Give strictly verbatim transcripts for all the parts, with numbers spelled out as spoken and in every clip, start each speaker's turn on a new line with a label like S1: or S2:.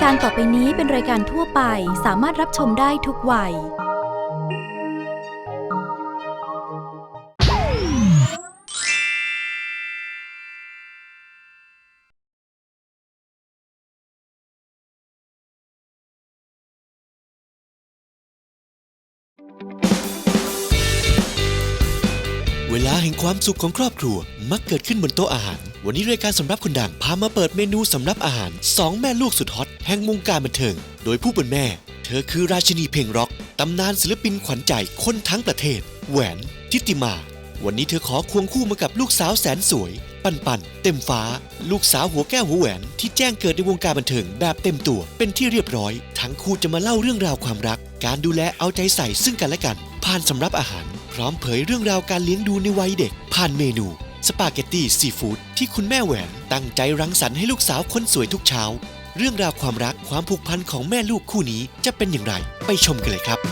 S1: การต่อไปนี้เป็นรายการทั่วไปสามารถรับชมได้ทุกวัย
S2: เวลาแห่งความสุขของครอบครัวมักเกิดขึ้นบนโต๊ะอาหารวันนี้รายการสำรับคนดังพามาเปิดเมนูสำรับอาหารสองแม่ลูกสุดฮอตแห่งวงการบันเทิงโดยผู้เป็นแม่เธอคือราชินีเพลงร็อกตำนานศิลปินขวัญใจคนทั้งประเทศแหวนทิติมาวันนี้เธอขอควงคู่มากับลูกสาวแสนสวยปันปันเต็มฟ้าลูกสาวหัวแก้วหัวแหวนที่แจ้งเกิดในวงการบันเทิงแบบเต็มตัวเป็นที่เรียบร้อยทั้งคู่จะมาเล่าเรื่องราวความรักการดูแลเอาใจใส่ซึ่งกันและกันผ่านสำรับอาหารพร้อมเผยเรื่องราวการเลี้ยงดูในวัยเด็กผ่านเมนูสปาเกตตี้ซีฟู้ดที่คุณแม่แหวนตั้งใจรังสรรค์ให้ลูกสาวคนสวยทุกเช้าเรื่องราวความรักความผูกพันของแม่ลูกคู่นี้จะเป็นอย่างไรไปชมกันเลยครับ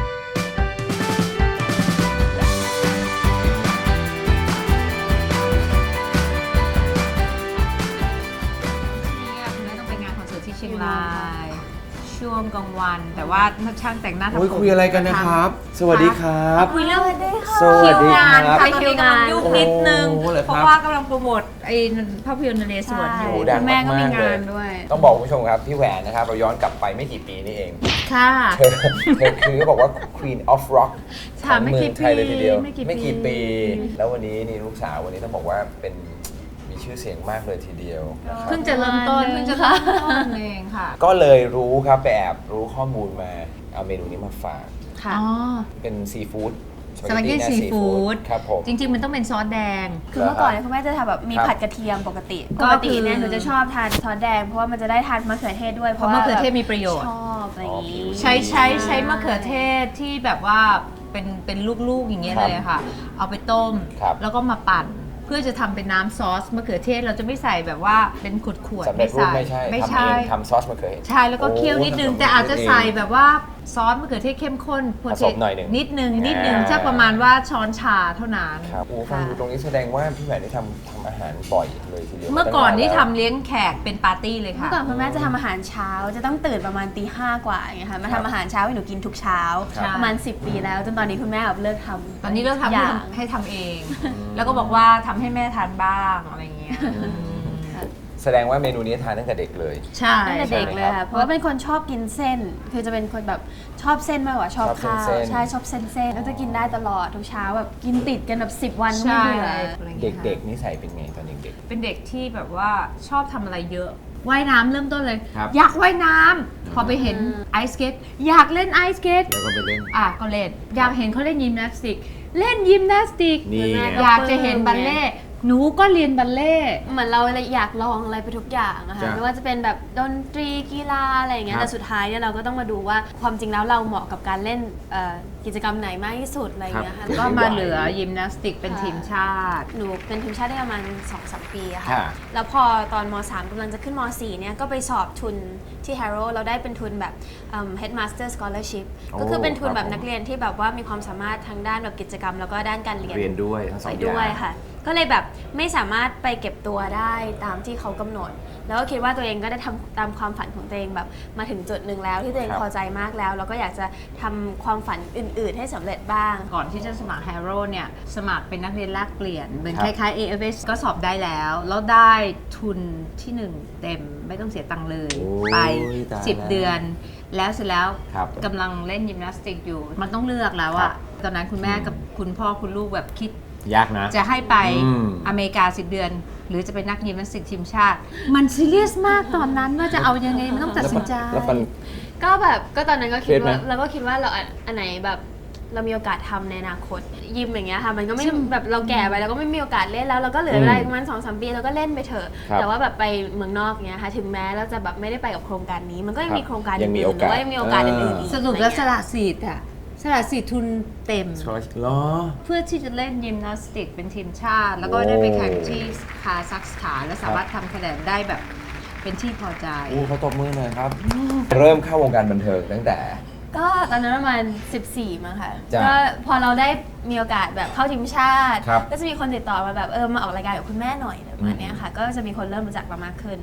S3: คุณแม่ต้องไปงานคอนเสิร์ตที่เชียงรายช่วงกลางวันแต่ว่าช่างแต่งหน้าทำผม
S4: คุยอะไรกันนะครับสวัสดีครับ
S3: คุยเรื่อง
S4: สวัสดีครับ
S3: ไปคิวงานยุ่งนิดนึง
S4: โอ้โหเหรอครับ
S3: เพราะว่ากำลังโปรโมทไอ้ภาพยนตร์นเรศวรอยู่
S4: โอ้ดัง
S3: คุณแม่ก็มี
S4: มากๆ
S3: งานด้วย
S4: ต้องบอกคุณผู้ชมครับพี่แหวนนะครับเราย้อนกลับไปไม่กี่ปีนี่เอง
S3: ค่ะ
S4: เธอเธอคือบอกว่า Queen of Rock ข
S3: ค่ะ
S4: อง
S3: ไม่
S4: เมื
S3: กี่
S4: องไทยเลยทีเดียว
S3: ปีไม่กี่ปี
S4: ไม่กี่ปี แล้ววันนี้นี่ลูกสาววันนี้ต้องบอกว่าเป็นมีชื่อเสียงมากเลยทีเดียวนะครับ
S3: เพิ่งจะเริ่มต้นเพิ่งจะเริ่มต้นเองค่ะ
S4: ก็เลยรู้ครับไปแอบรู้ข้อมูลมาเอาเมนูนี้มาฝาก
S3: ค่ะ
S4: เป็นซีฟู้ด
S3: สปาเกตตี้ซีฟู้ด
S4: ครับผม
S3: จริงๆมันต้องเป็นซอสแดง
S5: คือเมื่อก่อนเนี่ยคุณแม่จะทำแบบมี
S4: ครับ
S5: ผัดกระเทียมปกติ
S3: ก็
S5: ปกติ
S3: คือ
S5: เนี่ยหนูจะชอบทานซอสแดงเพราะว่ามันจะได้ทานมะเขือเทศด้วย
S3: เพราะมะเขือเทศมีประโยชน์
S5: ชอบอะไรอย่างนี้
S3: ใช้ใช้ใช้มะเขือเทศที่แบบว่าเป็นเป็นลูกๆอย่างเงี้ย
S4: ครับ
S3: เลยค่ะ เอาไปต้ม
S4: ครับ
S3: แล้วก็มาปั่นเพื่อจะทำเป็นน้ำซอสมะเขือเทศเราจะไม่ใส่แบบว่าเป็นขวด
S4: สำ
S3: ๆ
S4: เร็จรูป
S3: ไม่
S4: ไม่ใช่
S3: ใส่ไม่
S4: ทำ
S3: ใช่
S4: เองทำซอสมะเขือเทศ
S3: ใช่แล้วก็เคี่ยวนิดนึง
S4: โอ้
S3: แต่อาจจะ
S4: ทำเอง
S3: ใส่แบบว่าซอสมะเขือเทศเข้มข้น
S4: ผสมหน่อยหนึ่ง
S3: นิดนึงนิดนึง
S4: อ่า
S3: สักประมาณว่าช้อนชาเท่านั้น
S4: ครับโอ้ฟังดูตรงนี้แสดงว่าพี่แหวนได้ทำทำอาหารบ่อยเลยทีเดียว
S3: เมื่อก่อนนี่
S4: ตั้งา
S3: ทำเลี้ยงแขกเป็นปาร์ตี้เลย
S5: เมื่
S3: ค่ะ
S5: อก่อนคุณแม่จะทำอาหารเช้าจะต้องตื่นประมาณตีห้ากว่าอย่างเงี้ยค่ะมาทำอาหารเช้าให้หนูกินทุกเช้า
S3: ครับ
S5: ประมาณสิบปีแล้วจนตอนนี้คุณแม่แบบเลิกทำ
S3: ตอนนี้เลิกทำ
S5: อ
S3: ให้
S5: ย่าง
S3: ทำให้ทำเอง แล้วก็บอกว่าทำให้แม่ทานบ้างอะไรอย่างเงี้ย
S4: แสดงว่าเมนูนี้ทานตั้งแต่เด็กเลย
S3: ใช่
S5: ตั้งแต่เด็กเลย
S4: ใช่ไหมครั
S5: ค่ะ
S4: บ
S5: เพราะว่าเป็นคนชอบกินเส้น คือจะเป็นคนแบบชอบเส้นมากกว่าชอบ
S4: ชอบ
S5: ข้าว
S4: เส้น
S5: ใช่ชอบเส้นเส้นก็จะกินได้ตลอดทุกเช้าแบบกินติดกันแบบสิบวันไม่
S3: ใช่
S5: เบื่อ
S3: อะไรอย่างเงี้ยค่ะ
S4: เด็กๆนิสัยเป็นไงตอนเด็ก
S3: เป็นเด็กที่แบบว่าชอบทำอะไรเยอะว่ายน้ำเริ่มต้นเลย
S4: ครับ
S3: อยากว่ายน้ำพอไปเห็นไอสเกตอยากเล่นไอสเกต
S4: ๆแล้วก็ไปเล่น
S3: อ่ะก็เล่นอยากเห็นเขาเล่นยิมนาสติก เล่นยิมนาสติก
S4: นี่ไง
S3: อยากจะเห็นบัลเล่ต์หนูก็เรียนบัลเล่ต์
S5: เหมือนเราเลยอยากลองอะไรไปทุกอย่างอะค่ะ
S4: จ้ะ
S5: ไม่ว่าจะเป็นแบบดนตรีกีฬาอะไรอย่างเงี้ย
S4: ครับ
S5: แต่สุดท้ายเนี่ยเราก็ต้องมาดูว่าความจริงแล้วเราเหมาะกับการเล่นเอ่อกิจกรรมไหนมากที่สุดอะไรอย่างเงี้ยค่ะ
S3: ก็มาเหลือยิมนาสติกเป็นทีมชาติ
S5: หนูเป็นทีมชาติได้ประมาณ สองสาม ปีอะค่ะ
S4: ค่ะ
S5: แล้วพอตอนม สาม กำลังจะขึ้นม สี่เนี่ยก็ไปสอบทุนที่ Harrow เราได้เป็นทุนแบบเอิ่ม Headmaster Scholarship
S4: โอ้
S5: ก็คือเป็นทุน
S4: ครับ
S5: แบบ
S4: ผม
S5: นักเรียนที่แบบว่ามีความสามารถทางด้านแบบกิจกรรมแล้วก็ด้านการเรียน
S4: เรียนด้วยทั้งสอง
S5: ไป
S4: อย่าง
S5: ด้วยค่ะ ก็เลยแบบไม่สามารถไปเก็บตัวได้ตามที่เขากำหนด แล้วก็คิดว่าตัวเองก็ได้ทำตามความฝันของตัวเองแบบมาถึงจุดหนึ่งแล้วที่ตัวเอง
S4: ครับ
S5: พอใจมากแล้ว แล้วก็อยากจะทำความฝันอื่น ๆ ให้สำเร็จบ้าง
S3: ก่อนที่จะสมัคร Harrow เนี่ยสมัครเป็นนักเรียนแลกเปลี่ยนเหมือน
S4: ครั
S3: ค
S4: บ
S3: ล้ายๆ เอ เอฟ เอส ก็สอบได้แล้ว แล้วได้ทุนที่หนึ่งเต็มไม่ต้องเสียตังค์เลย
S4: โอ้ย
S3: ไป
S4: ตาย
S3: สิบ
S4: แล้ว
S3: เดือน แล้วเสร็จแล้ว
S4: ครับ
S3: กำลังเล่นยิมนาสติกอยู่ มันต้องเลือกแล้ว
S4: ครั
S3: อะ
S4: บ
S3: ตอนนั้นคุณแม่กับคุณพ่อคุณลูกแบบคิด
S4: ยากนะ
S3: จะให้ไป
S4: อืม
S3: อเมริกาสิบเดือน หรือจะเป็นนักยิมนาสติกทีมชาติ มันซีเรียสมากตอนนั้นว่าจะเอายังไงมันต้องตัดสินใจ
S4: แล้วมัน
S5: ก็แบบก็ตอนนั้นก็คิด
S4: เครียดไหม
S5: ว่าเราก็คิดว่าเราอันอันไหนแบบเรามีโอกาสทำในอนาคตยิมอย่างเงี้ยค่ะมันก็ไม่
S3: ใช่
S5: แบบเราแก่ไปแล้วก็ไม่มีโอกาสเล่นแล้วเราก็เหลือเวลาอีกประมาณสองสามปีเราก็เล่นไปเถอะ
S4: ครับ
S5: แต่ว่าแบบไปเมืองนอกเงี้ยค่ะถึงแม้เราจะแบบไม่ได้ไปกับโครงการนี้ มันก็ยัง
S4: ครับ
S5: มีโครงการ
S4: ยังมี
S5: อื่นๆหรือว่า
S4: โอกาส
S5: ยังมีโอกาสอื่นๆอีก
S3: สรุปแล้วส
S5: อะไรเงี้ย
S3: ละสิทธิ์อะสละสิทธิ์ทุนเต็ม
S4: เหรอ
S3: เพื่อที่จะเล่นยิมนาสติกเป็นทีมชาติ แล้วก็ได้ไปแข่งที่คาซัคสถานและสามารถทำคะแนนได้แบบเป็นที่พอใจ
S4: โอ้เขาตบมือหน่อยครับ เริ่มเข้าวงการบันเทิงตั้งแต่
S5: ก็ตอนนั้นประมาณสิบสี่มั้งค่ะ
S4: จ้ะ
S5: ก็พอเราได้มีโอกาสแบบเข้าทีมชาติ
S4: ครับ
S5: ก็จะมีคนติดต่อมาแบบเออมาออกรายการกับคุณแม่หน่อยประมาณเนี้ยค่ะ ก็จะมีคนเริ่มรู้จักเรามากขึ้น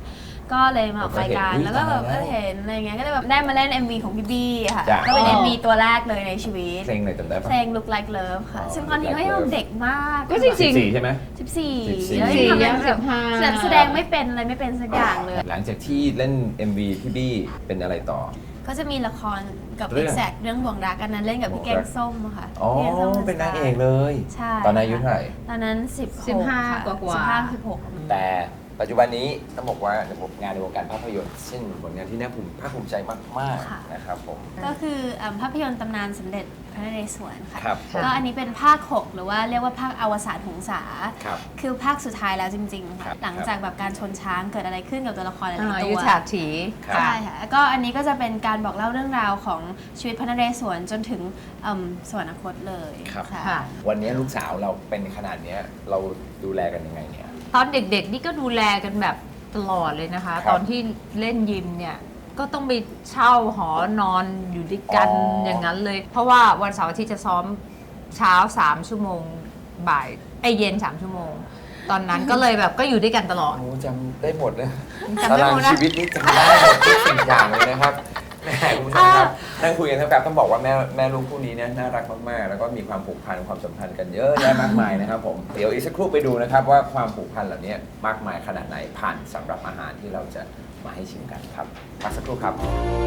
S5: ก็เลยมาออกรายการแล้วก็แบบเออเห็นอะไรเงี้ยก็เลยแบบได้มาเล่น เอ็ม วี ของพี่บี้ค่ะก็เป็น เอ็ม วี ตัวแรกเลยในชีวิต
S4: เพลงไหนจำได้ปะ
S5: เพลง Look Like Love ค่ะซึ่งตอนนี้ก็ยังเด็กมาก
S3: ก็จริง
S4: สิบสี่ใช่ไหม
S5: สิบสี่
S4: สิบสี่
S5: แล้ว
S3: สี่
S5: ทำ
S3: ยัง
S5: แบบ
S3: สิบห้า
S5: แบบแสดงไม่เป็นอะไรไม่เป็นสักอย่างเลย
S4: หลังจากที่เล่น เอ็ม วี พี่บี้เป็นอะไรต่อ
S5: ก็จะมีละครกับ
S4: เรื่อง
S5: Exact เรื่องบ่วงรักอันนั้นเล่นกับพี่แกงส้มอะค่ะ
S4: อ๋อ
S5: พี่แกงส้ม
S4: เป็นนางเอกเลย
S5: ใช่
S4: ตอนนั้นอายุเท่าไหร่
S5: ตอนนั้นสิบ
S3: สิบห้า
S5: ค่ะ
S3: กว่าๆ
S5: สิบห้าสิบหก
S4: แต่ปัจจุบันนี้ต้องบอกว่าในงานในวงการภาพยนตร์ซึ่งผลงานที่น่าภูมิภาคภูมิใจมาก
S5: ค่ะ
S4: ๆนะครับผม
S5: ก็คือเอิ่มภาพยนตร์ตำนานสมเด็จพระนเรศวรค่ะ
S4: ครับ
S5: ก็อันนี้เป็นภาค หก หรือว่าเรียกว่าภาคอวสานหงสา
S4: ครับ
S5: คือภาคสุดท้ายแล้วจริงๆ
S4: ครั
S5: ค่ะ
S4: บ
S5: หลังจากแบบการชนช้างเกิดอะไรขึ้นกับตัวละครหลาย
S3: อ่า
S5: ๆตั
S3: ยุ
S5: ว
S3: ทธาถี
S4: ครับ
S5: ใช่ค่ะแล้วก็อันนี้ก็จะเป็นการบอกเล่าเรื่องราวของชีวิตพระนเรศวรจนถึงเอิ่มสวรรคตเลย
S4: ครับ
S5: ค่ะ
S3: ค่ะ
S4: วันนี้ลูกสาวเราเป็นขนาดเนี้ยเราดูแลกันยังไงเนี่ย
S3: ตอนเด็กๆนี่ก็ดูแลกันแบบตลอดเลยนะคะ
S4: ครับ
S3: ตอนที่เล่นยิมเนี่ยก็ต้องไปเช่าหอนอนอยู่ด้วยกัน
S4: อ๋อ
S3: อ
S4: อย่าง
S3: นั้นเลย เพราะว่าวันเสาร์อาทิตย์จะซ้อมเช้าสามชั่วโมงบ่ายไอยเย็นสามชั่วโมง ตอนนั้นก็เลยแบบก็อยู่ด้วยกันตลอด
S4: โอ้จำได้หมดเลย
S3: จำได้หมดนะ
S4: ตารางชีวิตนี้จำได้หมดทุกสิ่งอย่างเลยนะครับแหมคุณผู้ชมครับนั่งคุยกันทั้งแบบต้องบอกว่าแม่แม่ลูกคู่นี้เนี่ยน่ารักมากๆ แล้วก็มีความผูกพันความสัมพันธ์กันเยอะแยะมากมายนะครับผมเดี๋ยวอีกสักครู่ไปดูนะครับว่าความผูกพันเหล่านี้มากมายขนาดไหนผ่านสำหรับอาหารที่เราจะมาให้ชิมกันครับพักสักครู่ครับ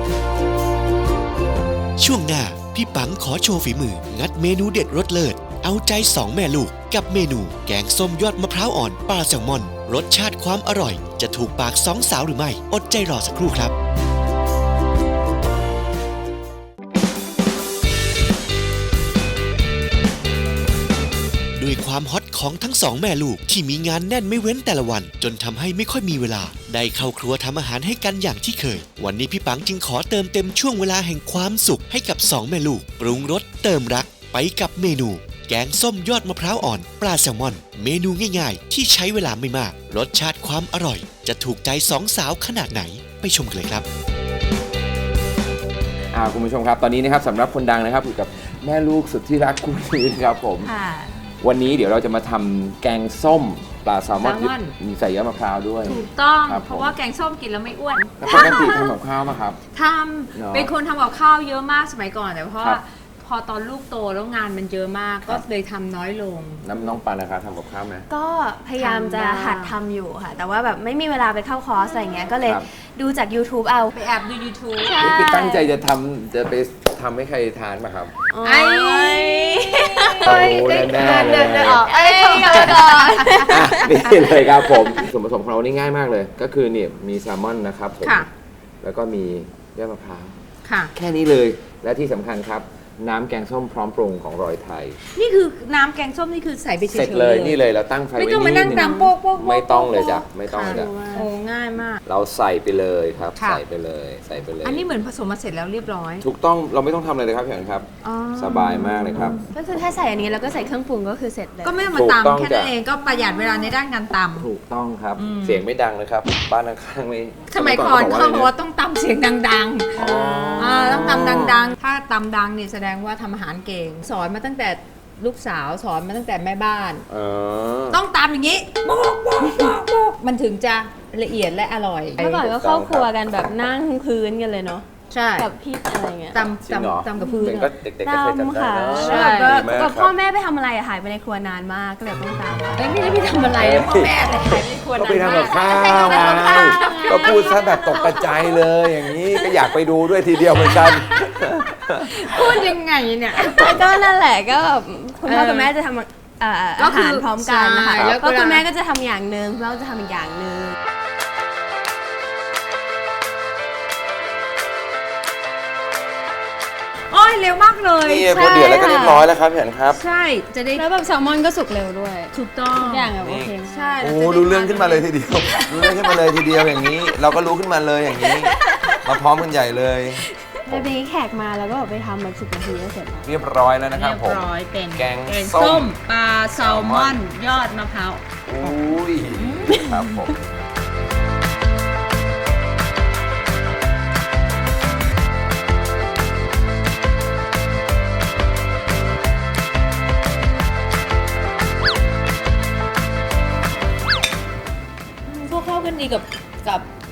S2: ช่วงหน้า พี่ปังขอโชว์ฝีมือ งัดเมนูเด็ดรสเลิศ เอาใจสองแม่ลูก กับเมนู แกงส้มยอดมะพร้าวอ่อนปลาแซลมอน รสชาติความอร่อย จะถูกปากสองสาวหรือไม่ อดใจรอสักครู่ครับ ด้วยความฮอตของทั้งสองแม่ลูกที่มีงานแน่นไม่เว้นแต่ละวัน จนทำให้ไม่ค่อยมีเวลา ได้เข้าครัวทำอาหารให้กันอย่างที่เคย วันนี้พี่ปังจึงขอเติมเต็มช่วงเวลาแห่งความสุขให้กับสองแม่ลูก ปรุงรสเติมรักไปกับเมนู แกงส้มยอดมะพร้าวอ่อนปลาแซลมอน เมนูง่ายๆ ที่ใช้เวลาไม่มาก รสชาติความอร่อย จะถูกใจสองสาวขนาดไหนไปชมกันเลยครับ
S4: อ่าคุณผู้ชมครับตอนนี้นะครับสำหรับคนดังนะครับอยู่กับแม่ลูกสุดที่รักคู่นี้นะครับผม
S3: ค่ะ
S4: วันนี้เดี๋ยวเราจะมาทำแกงส้มปลาแซลมอน
S3: แซลมอน
S4: มีใส่ยอดมะพร้าวด้วย
S3: ถูกต้อง
S4: ครับผม
S3: เพราะว่าแกงส้มกินแล้วไม่อ้วน
S4: แล้วปกติทำกับข้าวมาครับ
S3: ท
S4: เนอะ
S3: ำเป็นคนทำกับข้าวเยอะมากสมัยก่อนแต่เพราะ
S4: ครั
S3: ว่า
S4: บ
S3: พอตอนลูกโตแล้วงานมันเยอะมากก็เลยทำน้อยลง
S4: น้ำน้องปานนะครับทำกับข้าวไหม
S5: ก็พยายามจะ
S3: ทำบ้าง
S5: หัดทำอยู่ค่ะ แต่ว่าแบบไม่มีเวลาไปเข้าคอร์สอะไรเงี้ยก็เลย
S4: ครับ
S5: ดูจาก YouTube เอา
S3: ไปแอบดู YouTube
S5: ใช่
S4: นี่คือตั้งใจจะทำจะไปทำให้ใครทานมาครับ
S3: ไอ้
S4: โอ้แน่ๆเลย
S5: เดินๆออกเอ้ยกลับมาก่อน
S4: อ่ะนี่เลยครับผมส่วนผสมของเรานี่ง่ายมากเลย ก็คือเนี่ยมีแซลมอนนะครับผม
S3: ค่ะ
S4: แล้วก็มียอดมะพร้าว
S3: ค่ะ
S4: แค่นี้เลยและที่สำคัญครับ น้ำแกงส้มพร้อมปรุงของรอยไทย
S3: นี่คือน้ำแกงส้มนี่คือใส่ไปเฉยๆ
S4: เสร็จเลยนี่เลยเราตั้งไฟ
S3: ไม่
S4: ไว้
S3: ต้องมา
S4: นิ
S3: นั่
S4: ด
S3: ง
S4: นึง
S3: ตำโป๊กโป๊กโป๊ก
S4: ไม่ต้องเลยจ้ะไม่ต้องเลยจ้ะ
S3: โอ้ง่ายมาก
S4: เราใส่ไปเลยครับ
S3: ค่ะ
S4: ใส่ไปเลยใส่ไปเลย
S3: อันนี้เหมือนผสมมาเสร็จแล้วเรียบร้อย
S4: ถูกต้องเราไม่ต้องทำอะไรเลยครับพี่อันครับ
S3: อ๋อ
S4: สบายมากเลยครับ
S5: ก็คือถ้าใส่อันนี้แล้วก็ใส่เครื่องปรุงก็คือเสร็จเลย
S3: ก็ไม่ต้องมา
S4: ถูกต้อง
S3: ตำแค่นั้น
S4: จ้ะ
S3: เองก็ประหยัดเวลาในด้านการตำ
S4: ถูกต้องครับ
S3: อืม
S4: เสียงไม่ดังนะครับ บ้านข้างๆไม่
S3: สมัยก่อน
S4: บ
S3: เขา
S4: อก
S3: บอก
S4: ว่า
S3: ว่าต้องตำเสียงดัง
S4: อ๋อ
S3: ๆ
S4: อ่
S3: าต้องตำดังๆ ถ้าตำดังเนี่ยแสดงว่าทำอาหารเก่ง สอนมาตั้งแต่ลูกสาวสอนมาตั้งแต่แม่บ้าน
S4: เออ
S3: ต้องตำอย่างนี้โป๊กโป๊กโป๊กโป๊กมันถึงจะละเอียดและอร่อย
S5: เมื่อก่อนก็เข้าครัวกันแบบนั่งพื้นกันเลยเนาะ
S3: ใช่
S5: กับพี่อะไรเงี้ย
S3: ตำ
S4: จริงเหรอ
S3: ตำตำกับพื้น
S4: เด็ก
S3: อะ
S4: ก็เด็กๆก็เคยจำ
S5: ตำ
S4: ได้
S5: ค่ะ
S4: เนอะ
S3: ใช่
S5: แล้ว
S4: ดีมาก
S5: ก็
S4: ค
S5: พ่อ
S4: รับ
S5: แม่ไปทำอะไรอะหายไปในครัวนานมากก็เลยต้องตาม
S3: เอ้ยไม่ได้ไปทำอะไรเลยพ่อแม่เลยหายไปครัว
S4: ก็
S3: นา
S4: ไป
S3: น
S4: ทำ
S3: มา
S4: กับ
S3: ก
S4: ข้าวไงก็พูดซะแบบตกกระจายเลยอย่างนี้ก็อยากไปดูด้วยทีเดียวเหมือนกัน
S3: พูดยังไงเนี่ย
S5: แล้วก็นั่นแหละก็แบบคุณพ่อ
S3: เออ
S5: กับแม่จะทำเอ่อ
S3: ก็
S5: อา
S3: คือ
S5: หารพร้อมกันนะคะ
S3: ใช่แล้วก็
S5: ก็คุณแม่ก็จะทำอย่างหนึ่งคุณพ่อก็จะทำอีกอย่างหนึ่ง
S3: โอ้ยเร็วมากเลย
S4: นี่พอเดือดแล้วก็เรียบร้อยแล้วครับพี่อันครับ
S3: ใช่จะได้
S5: แล้วแบบแซลมอนก็สุกเร็วด้วย
S3: ถูกต้อง
S5: ทุกอย่างแบบโอเค
S3: ใช่
S4: โอ้
S3: เราจะได้
S4: รู้เรื่องขึ้นมาเลยทีเดียวรู้เรื่องขึ้นมาเลยทีเดียวอย่างนี้ เราก็รู้ขึ้นมาเลยอย่างนี้ มาพร้อมกันใหญ่เลย
S5: แล้วทีนี้แขกมาแล้วก็แบบไปทำแบบสิบนาทีก็เสร็จแล้ว
S4: เรียบร้อยแล้วนะครับ
S3: เรียบ
S4: ผม
S3: ร้อยเป็น
S4: แกง
S3: แกง
S4: ส้
S3: ส้
S4: ม
S3: มปลาแซลมอน ยอดมะพร้าว
S4: อุ้ยครับผม
S3: พวกเข้ากันดีกับกับน้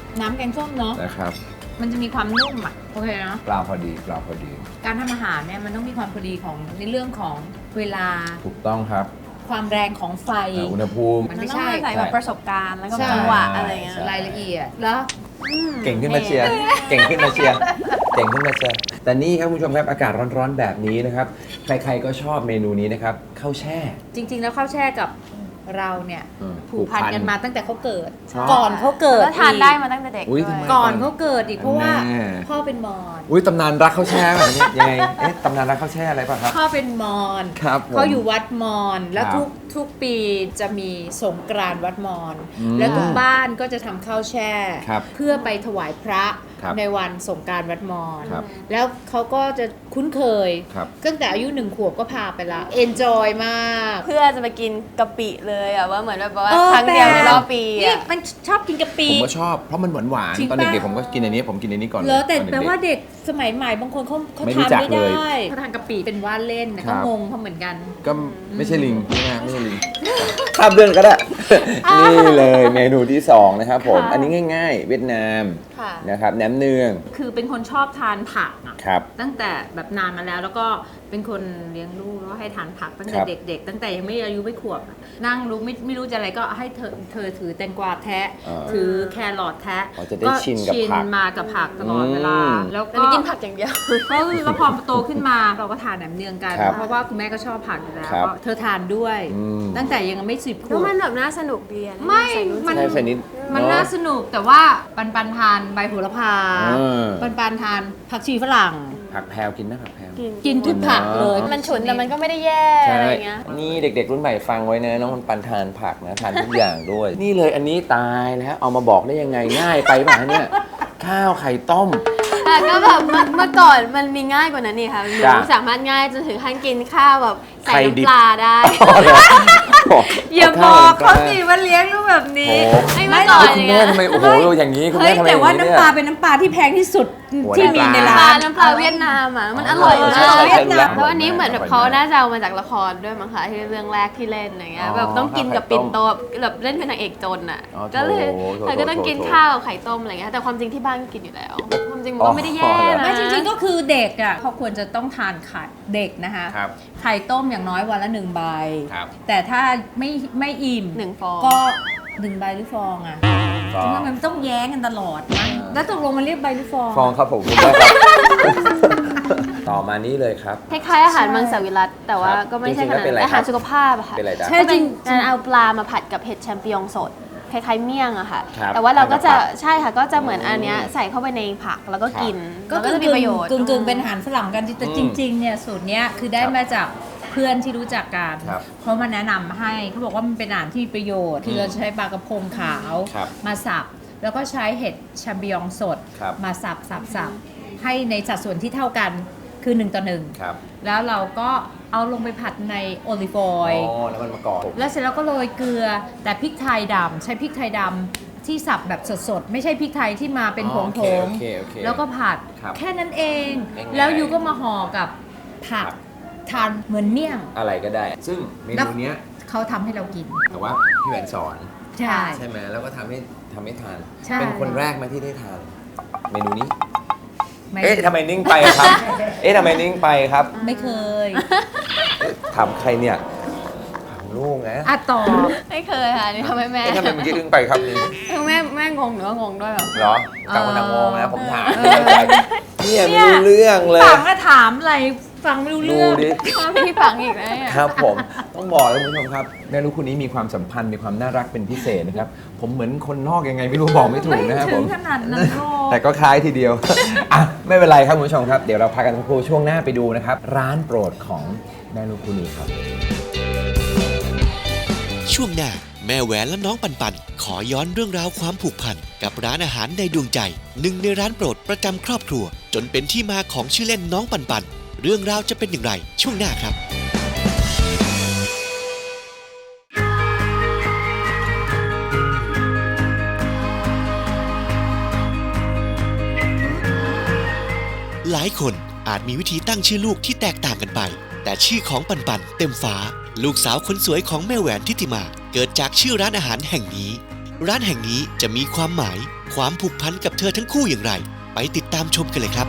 S3: งส้มเนาะ
S4: นะครับ
S3: มันจะมีความนุ่มอ่ะโอเคนะ
S4: ปลาพอดีปลาพอดี
S3: การทำอาหารเนี่ยมันต้องมีความพอดีของในเรื่องของเวลา
S4: ถูกต้องครับ
S3: ความแรงของไฟ
S4: อ่าอุณหภูมิ
S3: มัน
S5: มัน
S3: ไม่
S5: ต้อง
S3: ใช่
S5: อาศัยแบบประสบการณ์แล้วก็
S3: ใช่
S5: จังหวะอะไรเงี้ย
S4: ใช่
S3: รายละเอียดแล้ว
S5: อืม
S4: เก่งขึ้นมาเชียร์ เก่งขึ้นมาเชียร์ เก่งขึ้นมาเชียร์ แต่นี่ครับคุณผู้ชมครับ อากาศร้อนๆแบบนี้นะครับ ใครๆก็ชอบเมนูนี้นะครับ ข้าวแช่
S3: จริง ๆ แล้วข้าวแช่กับเราเนี่ย
S4: อืม
S3: ผูกพันกันมาตั้งแต่เขาเกิด
S4: ใช่
S3: ก่อนเขาเกิด
S5: แล้วทานได้มาตั้งแต่เด็ก
S4: อุ๊ย
S5: ด้ว
S4: ทำไม
S3: ก่อนเขาเกิดอีกเพราะว่า
S4: แน่
S3: พ่อเป็นมอญ
S4: อุ้ยตำนานรักข้าวแช่แบบนี้ยังไง เอ๊ะตำนานรักข้าวแช่อะไรป่ะครับ
S3: พ่อเป็นมอญ
S4: ครับผม
S3: เขาอยู่วัดมอญแล้ว
S4: ครับ
S3: ทุกทุกปีจะมีสงกรานต์วัดมอญ
S4: อืม
S3: แล้วทุกบ้านก็จะทำข้าวแช่
S4: ครับ
S3: เพื่อไปถวายพระ
S4: ครับ
S3: ในวันสงกรานต์วัดมอญ
S4: ครับ
S3: แล้วเขาก็จะคุ้นเคย
S4: ครับ
S3: ตั้งแต่อายุหนึ่งขวบก็พาไปละเอนจอยมาก
S5: เพื่อจะไปกินกะปิเลยอะว่าเหมือนแบบว่า
S3: เออ
S5: ครั้งเดียว
S3: แปลก
S5: ในรอบปี
S3: นี่
S5: อะ
S3: มันชอบกินกะปิ
S4: ผมก็ชอบ เพราะมันหวานหวาน
S3: จริง
S4: ตอน
S3: ปะ
S4: เด็กๆผมก็กินอันนี้ ผมกินอันนี้ก่อน
S3: เหรอแต่
S4: ตอน
S3: แปล
S4: ด็กๆ
S3: ว่าเด็กสมัยใหม่บางคนเขาเขา
S4: ไม่รู้
S3: ทาน
S4: จัก
S3: ไม่
S4: เล
S3: ได้
S4: ย
S3: เขาทานกะปิเป็นว่าเล่นนะ
S4: ครั
S3: ก็
S4: บ
S3: งงเขาเหมือนกัน
S4: ก็ไม่ใช่ลิงไม่ใช่ไม่ใช่ลิงข้ามเรื่องก็ได้ นี่เลยเมนูที่สองนะครับผม
S5: ค่ะ
S4: อันนี้ง่ายๆ เวียดนาม
S5: ค่ะ
S4: นะครับแหนมเนือง
S3: คือเป็นคนชอบทานผักอะ
S4: ครับ
S3: ตั้งแต่แบบนานมาแล้ว แล้วก็เป็นคนเลี้ยงลูกแล้วให้ทานผักตั้งแต่
S4: ครับ
S3: เด็กๆ ตั้งแต่ยังไม่อายุไม่ขวบอะนั่งรู้ไม่ไม่รู้จะอะไรก็ให้เธอเธอถือแตงกวาแทะ
S4: อ่า
S3: ถือแครอทแทะ
S4: อ๋อจะได้ชินกับผัก
S3: มากับผักตลอดเวลา
S4: อืม
S3: แล้ว
S5: แต่
S3: ก็
S5: นี่กินผักอย่างเดียว
S3: ก็คือแล้วพอโตขึ้นมาเราก็ทานแหนมเนืองกัน
S4: ครับ
S3: เพราะว่าคุณแม่ก็ชอบผักอยู่แล้ว
S4: ครับ
S3: ก็เธอทานด้วย
S4: อืม
S3: ตั้งแต่ยังไม่สิบข
S5: แล้ว
S3: วบ
S5: มันแบบน่าสนุกดีอะ
S3: ไม่
S5: ใส่นู่น
S3: มัน
S5: ใส่
S4: ใช่ใส่นิด
S3: มัน
S4: เอะ
S3: น่าสนุกแต่ว่าปันปันทานใบโหระพา
S4: เออ
S3: ปันปันทานผักชีฝรั่ง
S4: ผักแพรวกินนะผักแพรว
S3: กินทุกผักเลย
S5: มันฉุนแต่มันก็ไม่ได้แย่
S4: ใช่
S5: อะไรเงี้ย
S4: นี่เด็กๆรุ่นใหม่ฟังไว้นะน้องมันปันทานผักนะทานทุกอย่างด้วย นี่เลยอันนี้ตายแล้วเอามาบอกได้ยังไงง่ายไปป่ะเนี่ยข้าวไข่ต้ม
S5: แต่ก็แบบเมื่อเมื่อก่อนมันมีง่ายกว่านั้นนี่ค่ะหนู
S4: จ้ะ
S5: สามารถง่ายจนถึงขั้นกินข้าวแบบใส่
S4: ไข่ดิบ
S5: น้ำปลาได้
S3: อย่าบอกเขาสิว่าเลี้ยงลูกแบบนี้
S4: โอ้
S5: ไม่เมื่อก่อน
S4: คุณแม่ทำไมโอ้โหอย่างนี้คุณ
S3: เฮ้
S4: แม่
S3: ย
S4: ทำไมอ
S3: แต่
S4: ย่าง
S3: ว่า
S4: นี้
S3: น้ำ
S4: เนี่ย
S3: ปลาเป็นน้ำปลาที่แพงที่สุด
S4: โอ้
S3: ที่มีใน
S5: น้ำป
S3: ร้า
S5: ลาน น้ำปลาเวียดนามอ่ะมันอร่อย
S3: เออ
S5: มาก
S3: ใช่
S5: เวียดนาม
S4: ใช่
S5: แล้วอันนี้เหมือนแบบ
S4: อร่อย
S5: เขา
S4: มาก
S5: น่าจะเอามาจากละครด้วยมั้งคะที่เรื่องแรกที่เล่นอย่างเงี้ย
S4: อ๋อ
S5: แบบต้องกินกับ
S4: ข้าวไข่ต้ม
S5: ปิ่นโตแบบเล่นเป็นนางเอกจนอ่ะ
S4: อ๋อโถ
S5: ก็เลย
S4: โถโถ
S5: เธอก็ต้องกิน
S4: โถ
S5: ข้าวกับไข่ต้มอะไรเงี้ยแต่ความจริงที่บ้านก็กินอยู่แล้วความจริงมันก็ไม่ได้แย่
S4: อ๋อเหรอ
S5: นะ
S3: ไม่จริงๆก็คือเด็กอ่ะเขาควรจะต้องทานไข่เด็กนะคะ
S4: ครับ
S3: ไข่ต้มอย่างน้อยวันละหนึ่งใบ
S4: ครับ
S3: แต่ถ้าไม่ไม่อิ่ม
S5: หนึ่งฟอง
S3: ก็หนึ่งใบหรือฟองอ่ะ
S4: ฟอง
S3: ทำไมมันต้องแย้งกันตลอดนะแล้วตกลงมันเรียกใบหรือฟอง
S4: ฟองครับผมคุณแม่ครับ ต่อมานี้เลยครับ
S5: คล้ายๆอาหารมังสวิรัตแต่ว่า
S4: ครับ
S5: ก็ไม่ใช่
S4: จริงๆ
S5: ข
S4: แล้ว
S5: นาด
S4: เป็นอะไร
S5: นั้นอาหาร
S4: ครับ
S5: สุขภาพอะค่ะ
S4: เป็นอะไรจ๊ะ
S3: ใช่
S5: ก็เป็น
S3: จริง
S5: การเอาปลามาผัดกับเห็ดแชมปิญองสดคล้ายๆเมี่ยงอะค่ะ
S4: ครับ
S5: แต่ว่าเราก็จะ
S4: ผัดกับผัก
S5: ใช่ค่ะก็จะเหมือนอันเนี้ยใส่เข้าไปในผักแล้วก็กิน
S3: ก็
S5: แล้ว
S3: กึ่
S5: จะ
S3: ง
S5: มีประโยชน์
S3: กึ่งกึ่งๆเป็นอาหารฝรั่งกันแต่
S4: อืม
S3: จริงๆเนี่ยสูตรเนี้ยคือได้
S4: ครับ
S3: มาจากเพื่อนที่รู้จักกัน
S4: ครับ
S3: เพราะมันแนะนำให้เขาบอกว่ามันเป็นอาหารที่มีประโยชน์ที่เราจะใช้ปลากระพงขาว
S4: ครับ
S3: มาสับ แล้วก็ใช้เห็ดแชมปิญองสด
S4: ครับ
S3: มาสับสับสับให้ในสัดส่วนที่เท่ากันคือหนึ่งต่อหนึ่ง
S4: ครับ
S3: แล้วเราก็เอาลงไปผัดในโอลิฟอ
S4: อ๋
S3: อยล์
S4: อแล้วมันมากรอบ
S3: แล้วเสร็จแล้วก็โรยเกลือแต่พริกไทยดำใช้พริกไทยดำที่สับแบบสดๆ ไม่ใช่พริกไทยที่มาเป็นผ
S4: อ๋อง โอ
S3: ผ
S4: เค
S3: ง
S4: โอเคโอเค
S3: แล้วก็ผัด
S4: ครับ
S3: แค่นั้นเอง
S4: ง่ายๆ
S3: แล้วยูก็มาห่อกับผัก
S4: ครับ
S3: ทานเหมือนเมี่ยง
S4: อะไรก็ได้ ซึ่งเมนูเนี้ย
S3: เขาทำให้เรากิน
S4: แต่ว่าพี่แหวนสอน
S3: ใช่
S4: ใช่ไหมแล้วก็ทำให้ทำให้ทาน
S3: ใช่
S4: เป็นคนแรกไหมาที่ได้ทาน เมนูนี้
S3: ไม่
S4: เอ๊ะทำไมนิ่งไปครับ เอ๊ะทำไมนิ่งไปครับ
S3: ไม่เคย
S4: ถามใครเนี่ยถามลูกนะ
S3: อ่ะตอบ
S5: ไม่เคยค่ะนี่ทำให้แม่
S4: เอ๊ะทำไมเมื่อกี้อึ้งไปครับนี่
S5: แม่แม่งงหรือว่างงด้วยแบบ
S4: เหรอต่างคนต่างงงนะผมถาม
S3: เอ
S4: เนี่ย
S3: อ
S4: ไม่รู้เรื่องเลย
S3: ฟังก็ถามอะไรฟังไม่รู้
S4: ดู
S3: เรื่อง
S4: ดิ
S5: พี่ฝังอีกนะเนี่ย
S4: ครับผม ต้องบอกเลยคุณผู้ชมครับแม่ลูกคู่นี้มีความสัมพันธ์มีความน่ารักเป็นพิเศษนะครับ ผมเหมือนคนนอกยังไงไม่รู้บอกไม่ถูกนะครับ
S3: ไม่
S4: ผ
S3: ถึ
S4: ม
S3: งขนาดนั้นหรอก
S4: แต่ก็คล้ายทีเดียว อ่ะไม่เป็นไรครับคุณผู้ชมครับ เดี๋ยวเราพักกันสักครู่ช่วงหน้าไปดูนะครับ ร้านโปรดของแม่ลูกคู่นี้ครับ
S2: ช่วงหน้าแม่แหวนและน้องปันปัน ขอย้อนเรื่องราวความผูกพันกับร้านอาหารในดวงใจ หนึ่งในร้านโปรดประจำครอบครัว จนเป็นที่มาของชื่อเล่นน้องปันปัน เรื่องราวจะเป็นอย่างไรช่วงหน้าครับ หลายคนอาจมีวิธีตั้งชื่อลูกที่แตกต่างกันไป แต่ชื่อของปันปันเต็มฟ้า ลูกสาวคนสวยของแม่แหวนทิติมา เกิดจากชื่อร้านอาหารแห่งนี้ร้านแห่งนี้จะมีความหมายความผูกพันกับเธอทั้งคู่อย่างไร ไปติดตามชมกันเลยครับ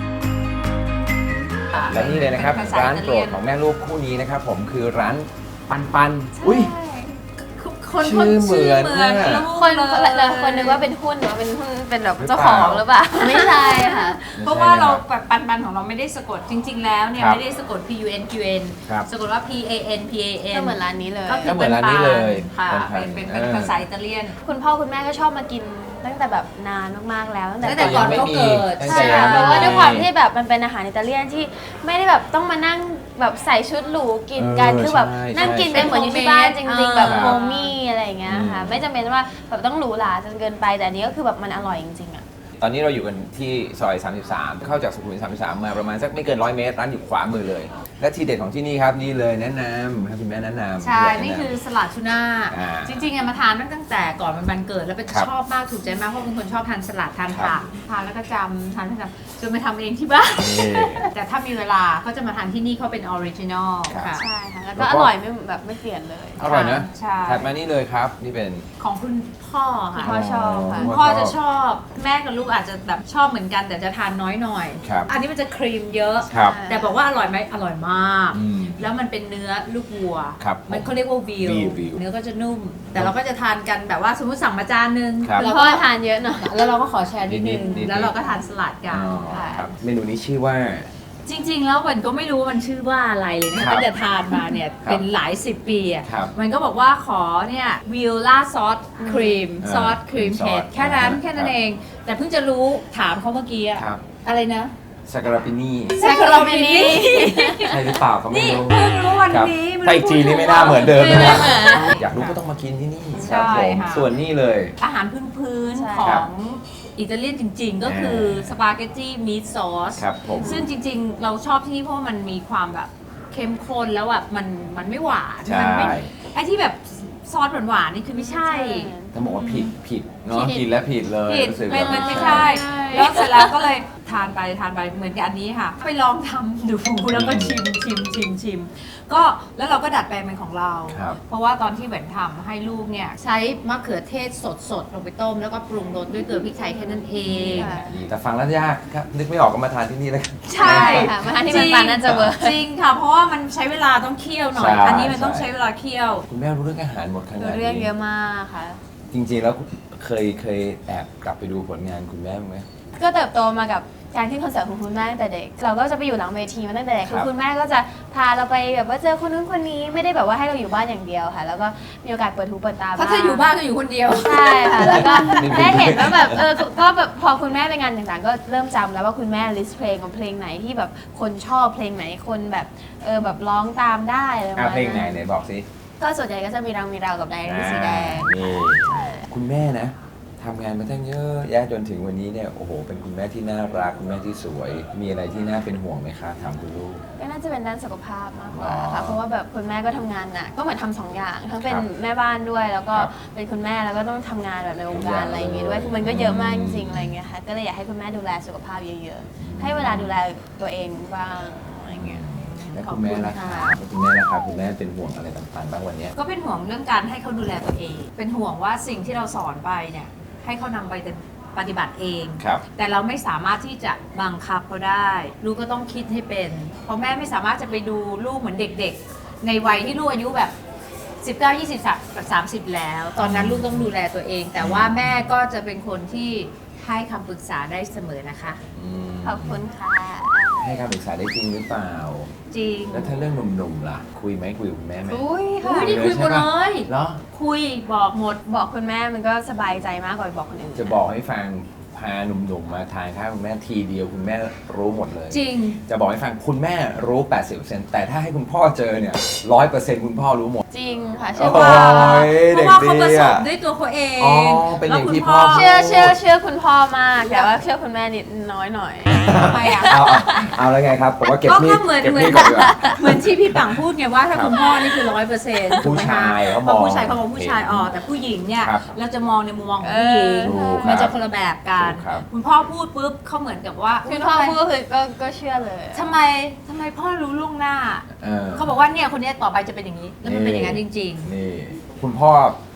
S4: และนี่เลยนะครับ
S3: เป็นภาษา
S4: ร้าน
S3: อิตา
S4: โป
S3: เลี
S4: ร
S3: ย
S4: ด
S3: น
S4: ของแม่ลูกคู่นี้นะครับผมคือร้านปันปันอุ้ย
S3: คน
S4: ชื่อเหมือน
S3: ชื่
S4: น่ะ
S3: ลูก
S5: คน
S3: เลย
S5: เลยคนนึกว่าเป็นหุ้นหรือว่าเป็นหุ้นเป็นแบบ
S4: หรือเปล่า
S5: เจ้าของหรือเปล่า ไม่ใช่ค่ะ
S3: เพราะว่าเราแบบปันปันของเราไม่ได้สะกดจริง ๆ แล้วเนี่ย
S4: ครับ
S3: ไม่ได้สะกด P U N Q N
S4: ครับ
S3: สะกดว่า P A N P A N
S5: ก็เหมือนร้านนี้เลย
S3: ก็คื
S4: ก็เหมือนร้านนี้เลย
S3: ค่ะ
S4: ปันๆ
S3: เป็นเป็นเป็น
S4: เออ
S3: ภาษาอิตาเลียน
S5: คุณพ่อคุณแม่ก็ชอบมากินตั้งแต่แบบนานมากๆแล้วตั้งแต่
S3: ตั้งแต่ก่อนเขาเกิด
S4: ตั้ง
S5: ใช่
S4: แต่ยั
S5: ค่ะ
S4: ง
S5: เพ
S4: ไม่
S5: ราะว่า
S4: มี
S5: ด้วยความที่แบบมันเป็นอาหารอิตาเลียนที่ไม่ได้แบบต้องมานั่งแบบใส่ชุดหรูกินกัน
S4: เออ
S5: คือแบบ
S4: ใช่
S5: นั่งกิน
S4: ใช่
S5: กันเหมือนอยู่ที่บ้านจริงๆ แบบ
S4: ครับ
S5: โฮมมี่อะไรอย่างเงี้ยค่ะ
S4: อืม
S5: ไม่จำเป็นว่าแบบต้องหรูหราจนเกินไปแต่อันนี้ก็คือแบบมันอร่อยจริงๆอ่ะ
S4: ตอนนี้เราอยู่กันที่ซอย สามสิบสาม เข้าจากสุขุมวิท สามสิบสาม มาประมาณสักไม่เกินร้อยเมตรร้านอยู่ขวามือเลย และทีเด็ดของที่นี่ครับนี่เลยแนะนำให้คุณแม่แนะนำ
S3: ใช่
S4: อยากแะำ
S3: นี่คือสลัดทูน่า
S4: อ่า
S3: จริงๆอะมาทานตั้งแต่ก่อนมันวันเกิดแล้วเป็น
S4: ครับ
S3: ชอบมากถูกใจมากเพราะเป็นคนชอบทานสลัดทาน
S4: ครั
S3: ผั
S4: บ
S3: กทานแล้วก็จำทานแล้วก็จำจนไปทำเองที่บ้าน
S4: นี่
S3: แต่ถ้ามีเวลาก็จะมาทานที่นี่เขาเป็นออริจินอล
S4: ครับ
S3: ค่ะ
S5: ใช่ค่ะ แล้ว
S4: แล้
S5: ก็
S4: ว
S5: อ
S4: ก็
S5: ร่อยไม่แบบไม่เปลี่ยนเลย
S4: อร่อยนะ
S3: ใช่
S4: ถัดมานี่เลยครับ นี่เป็น
S3: ของคุณพ่อค่ะ
S5: พ่อชอบค่ะ
S3: คุณพ่อจะชอบแม่กับลูกอาจจะแบบชอบเหมือนกันแต่จะทานน้อยหน่อย
S4: ครับ
S3: อันนี้มันจะครีมเยอะ
S4: ครับ
S3: แต่บอกว่าอร่อยไหมอร่อยมาก
S4: อืม
S3: แล้วมันเป็นเนื้อลูกวัว
S4: ครับ
S3: มันเขาเรียกว่าวิว
S4: วิววิว
S3: เนื้อก็จะนุ่ม แต่เราก็จะทานกันแบบว่าสมมติสั่งมาจานนึง
S4: ครับ
S5: แล้
S3: แล้ว ว
S5: ก็
S3: ก็
S5: ทานเยอะหน่อย
S3: แล้วเราก็ขอแชร์นิดนึง
S4: นิดๆ
S3: แล้วเราก็ทานสลัดกั
S4: อ๋
S3: น
S4: อ
S3: ค่ะ
S4: ครับเมนูนี้ชื่อว่า
S3: จริงๆ แล้วมันก็ไม่รู้ว่ามันชื่อว่าอะไรเลยนะ
S4: ครั
S3: ตั้
S4: บ
S3: งแต่ทานมาเนี่ย
S4: ครับ
S3: เป็นหลายสิบปีอ่ะ
S4: ครับ
S3: มันก็บอกว่าขอเนี่ยวิลล่าซอสครีม
S4: อ่า
S3: ซอสครีม
S4: ซอส
S3: เผ็ดแค่นั้น
S4: ครับ
S3: แค่นั้นเอง แต่เพิ่งจะรู้ถามเขาเมื่อกี้อะ
S4: ครับ
S3: อะไรนะ
S4: ซาการาปินี่
S3: แซคคาราเมนี
S4: ใช่หรือเปล่าเขาไม่
S3: นี่
S4: รู้
S3: เพิ่งรู้วัน
S4: ครับ
S3: นี้มัน
S4: แต่อีกทีนี่ไม่น่าเหมือนเดิม
S5: ไม่
S4: นะ
S5: เหมือน
S4: อยากรู้ก็ต้องมากินที่นี่
S3: ใช่
S4: ครับผม
S3: ค่ะ
S4: ส่วนนี่เลย
S3: อาหารพื้น
S5: ใช่
S3: ๆของอิตาเลียนจริงๆ ก็คือสปาเกตตี้มีทซอส
S4: ครับผม
S3: ซึ่งจริงๆ เราชอบที่นี่เพราะว่ามันมีความแบบเข้มข้นแล้วแบบมันมันไม่หวาน
S4: ใช่
S3: มัไม่ไอ้ที่แบบซอสหวานๆนี่คือไม่ใช่
S4: ต้องบอกว่าผิดผิดเนาะ
S5: ผิด
S4: กินแล้วผิดเลย
S3: ผิด
S4: รู้สึก
S3: มัน
S4: แบบ
S3: มันไม่
S4: ใช่
S3: ใช่ แล้วเสร็จแล้วก็เลยทานไปทานไปเหมือนกับอันนี้ค่ะ ไปลองทำดูแล้วก็ชิมชิมชิมชิมก็แล้วเราก็ดัดแปลงเป็นของเรา
S4: ครับ
S3: เพราะว่าตอนที่เหมือนทำให้ลูกเนี่ยใช้มะเขือเทศสดๆ ลงไปต้ม แล้วก็ปรุงรสด้วยเกลือพริกไทยแค่นั้นเอง
S5: ค่ะ
S4: แต่ฟังแล้วยากครับนึกไม่ออกก็มาทานที่นี่แล้วกัน
S3: ใช่
S5: ค่ะมาทานที่มันปันน่าจะเวิร์ก
S3: จริงค่ะ เพราะว่ามันใช้เวลาต้องเคี่ยวหน่อย
S4: ใช่
S3: อันนี้มันต้อง
S4: ใช่
S3: ใช้เวลาเคี่ยว
S4: คุณแม่รู้เรื่องอาหารหมดขนาดนี้
S5: เรื่องเยอะมากค่ะ
S4: จริงๆแล้วเคยเคยแอบกลับไปดูผลงานคุณแม่บ้างไหม
S5: ก็เติบโตมากับการขึ้นคอนเสิร์ตของคุณแม่ตั้งแต่เด็ก เราก็จะไปอยู่หลังเวทีมาตั้งแต่เด็ก
S4: ครับ
S5: คือคุณแม่ก็จะพาเราไปแบบว่าเจอคนนู้นคนนี้ไม่ได้แบบว่าให้เราอยู่บ้านอย่างเดียวค่ะ แล้วก็มีโอกาสเปิดหูเปิดตา
S3: เพราะถ้าอยู่บ้านก็อยู่คนเดียว
S5: ใช่ค่ะ แล้วก็
S4: นี่เป็น
S5: ได้เห็นว่าแบบเออก็แบบพอคุณแม่ไปงานต่างๆ ก็เริ่มจำแล้วว่าคุณแม่ลิสต์เพลงของเพลงไหนที่แบบคนชอบเพลงไหนคนแบบเออแบบร้องตามได้อะไรประ
S4: อ่ะ
S5: มาณ
S4: เพลงไหน
S5: นั้น
S4: ไหนบอกสิ
S5: ก็ส่วนใหญ่ก็จะมีรังมีเราวกับไดอารี่สีแดง
S4: นี่คุณแม่นะทำงานมาตั้งเยอะแยะจนถึงวันนี้เนี่ยโอ้โหเป็นคุณแม่ที่น่ารักคุณแม่ที่สวย มีอะไรที่น่าเป็นห่วงไหมคะถามคุณลูก
S5: ก็น่าจะเป็นด้านสุขภาพมากกว่า
S4: อ๋อ
S5: ค่ะ เพราะว่าแบบคุณแม่ก็ทำงานหนักก็เหมือนทำสองอย่าง ทั้งเป็น
S4: ครับ
S5: แม่บ้านด้วย แล้วก็
S4: ครับ
S5: เป็นคุณแม่แล้วก็ต้องทำงานแบบในวง
S4: ทุกอก
S5: า
S4: ย่าร ง
S5: อะไรอย่างงี้ด้วย คือมันก็เยอะมากจริงๆ
S4: อืม
S5: อะไรอย่างเงี้ยค่ะ ก็เลยอยากให้คุณแม่ดูแลสุขภาพเยอะๆ ให้เวลาดูแลตัวเองบ้างอะไรอย่างเงี้ย
S4: และคุณแม่ล่ะคะ
S5: ขอบคุณค่ะ
S4: คุณแม่ล่ะคะคุณแม่เป็นห่วงอะไรต่างๆบ้างวันเนี้ย
S3: ก็เป็นห่วงเรื่องการให้เขาดูแลตัวเอง เป็นห่วงว่าสิ่งที่เราสอนไปเนี่ยให้เขานำไปปฏิบัติเอง
S4: ครับ
S3: แต่เราไม่สามารถที่จะบังคับเขาได้ ลูกก็ต้องคิดให้เป็น เพราะแม่ไม่สามารถจะไปดูลูกเหมือนเด็กๆ ในวัยที่ลูกอายุแบบ สิบเก้า ยี่สิบ สามสิบ แล้ว ตอนนั้นลูกต้องดูแลตัวเอง แต่ว่าแม่ก็จะเป็นคนที่ให้คำปรึกษาได้เสมอนะคะ
S4: อืม
S5: ขอบคุณค่ะ
S4: ให้คำปรึกษาได้จริงหรือเปล่า
S3: จริง
S4: แล้วถ้าเรื่องหนุ่มๆล่ะ คุยไหมคุยกับคุณแม่ไหม
S5: อุ้ยค่ะ
S3: อุ้ยนี่คุยหมดเลย
S4: เหรอ
S3: คุยบอกหมด
S5: บอกคุณแม่มันก็สบายใจมากกว่าไปบอกคนอื่น
S4: จะบอกให้ฟังพาหนุ่มๆมาทานข้าวคุณแม่ทีเดียวคุณแม่รู้หมดเลย
S3: จริง
S4: จะบอกให้ฟังคุณแม่รู้ แปดสิบเปอร์เซ็นต์ แต่ถ้าให้คุณพ่อเจอเนี่ย ร้อยเปอร์เซ็นต์ คุณพ่อรู้หมด
S5: จริงค่ะ
S4: โอ้
S5: เชื่อว่า
S4: ย
S3: เพ
S4: เด็ก
S3: ราะว่า
S4: ดี
S3: เขาประสบ
S4: อ่ะ
S3: ด้วยตัวเขาเอง
S4: อ๋อเป็นอย่างที่พ่อ
S5: เชื่อเชื่อเชื่อคุณพ่อมาก แต่ว่าเชื่อคุณแม่นิดน้อยหน่อย
S3: ทำไมอ่ะ
S4: เอาเอาเอาแล้วไงครับผมว่าเก็บ
S3: ก็
S4: มี
S3: ก็
S4: ด
S3: เหมือน
S4: เก็บ
S3: เหมือ
S4: มี
S3: น
S4: ดก่อนดีกว่า
S3: เหมือนที่พี่ปังพูดไงว่าถ้า
S4: ครับ
S3: คุณพ่อนี่คือร้อยเปอร์เซ็นต์
S4: ผู้ชายเขามอง
S3: ผู้ชายเขามองผู้ชายอ๋อแต่ผู้หญิงเนี่ย
S4: ครับ
S3: เราจะมองในมุมมองของผู้หญิง
S4: ถูกครับ
S3: มันจะคนละแบบกัน
S4: ถูกครับ
S3: คุณพ่อพูดปุ๊บเขาเหมือนกับว่า
S5: คุณพ่อพูดก็คือก็ก็เชื่อเลย
S3: ทำไมทำไมพ่อรู้ล่วงหน้า
S4: เออ
S3: เขาบอกว่าเนี่ยคนเนี้ยต่อไปจะเป็นอย่างนี้ แล้วมันเป็นอย่างนั้นจริง
S4: นี่คุณพ่อ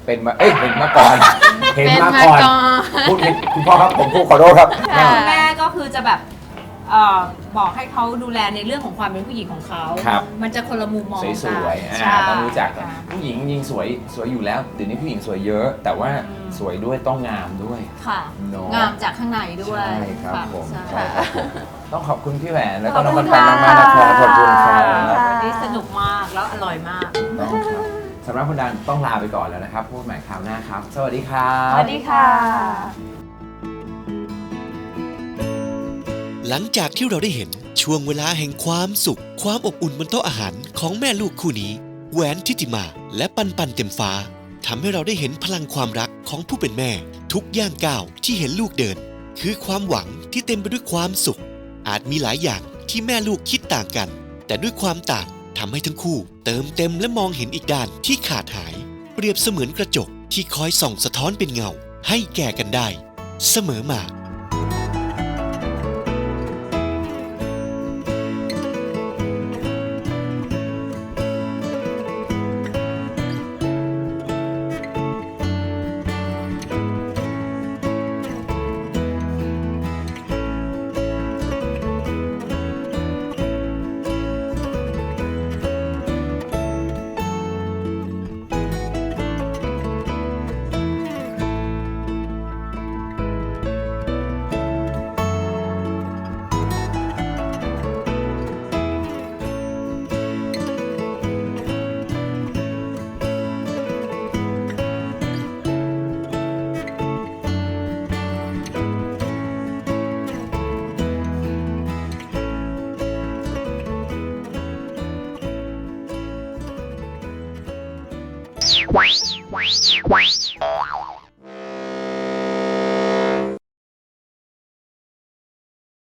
S4: เป็นมาเอ้ยเป็นมาก่อนเห็น
S3: เป็น
S4: มา
S3: มา
S4: ก่อน
S3: ก่อน
S4: พูดผิดคุณพ่อครับผมพูดขอโทษครับ
S3: แล้วคุณแม่ก็คือจะแบบเอ่อบอกให้เขาดูแลในเรื่องของความเป็นผู้หญิงของเขา
S4: ครับ
S3: มันจะคนละมุมมอง
S4: สวยๆ
S3: กัน
S4: อ่าต้องรู้จัก
S3: ค่ะ
S4: ผู้หญิงยิงสวยสวยอยู่แล้วเดี๋ยวนี้ผู้หญิงสวยเยอะ แต่ว่า
S3: อืม
S4: สวยด้วยต้องงามด้วย
S3: ค่ะ
S4: เนอะ
S3: งามจากข้างในด้วย
S4: ใช่ครับ
S3: ะ
S4: ผม
S3: ใช่
S4: ใช่ครับผมต้องขอบคุณพี่แหวนแล้ว
S3: ข
S4: ก็
S3: อบ
S4: น้อง
S3: คุ
S4: ปั
S3: ณ
S4: นปัน
S3: ค่ะ
S4: มากๆนะครับขอบคุณครับ
S3: วันนี้สนุกมากแล้วอร่อยมาก
S4: ต้องครับสำหรับคุณดันต้องลาไปก่อนแล้วนะครับพูดใหม่คราวหน้าครับ สวัสดีครับ
S5: สวัสดีค่ะ
S2: หลังจากที่เราได้เห็นช่วงเวลาแห่งความสุข ความอบอุ่นบนโต๊ะอาหารของแม่ลูกคู่นี้แหวนทิติมาและปันปันเต็มฟ้าทำให้เราได้เห็นพลังความรักของผู้เป็นแม่ ทุกย่างก้าวที่เห็นลูกเดิน คือความหวังที่เต็มไปด้วยความสุข อาจมีหลายอย่างที่แม่ลูกคิดต่างกัน แต่ด้วยความต่างทำให้ทั้งคู่ เติมเต็มและมองเห็นอีกด้านที่ขาดหาย เปรียบเสมือนกระจกที่คอยส่องสะท้อนเป็นเงา ให้แก่กันได้ เสมอมา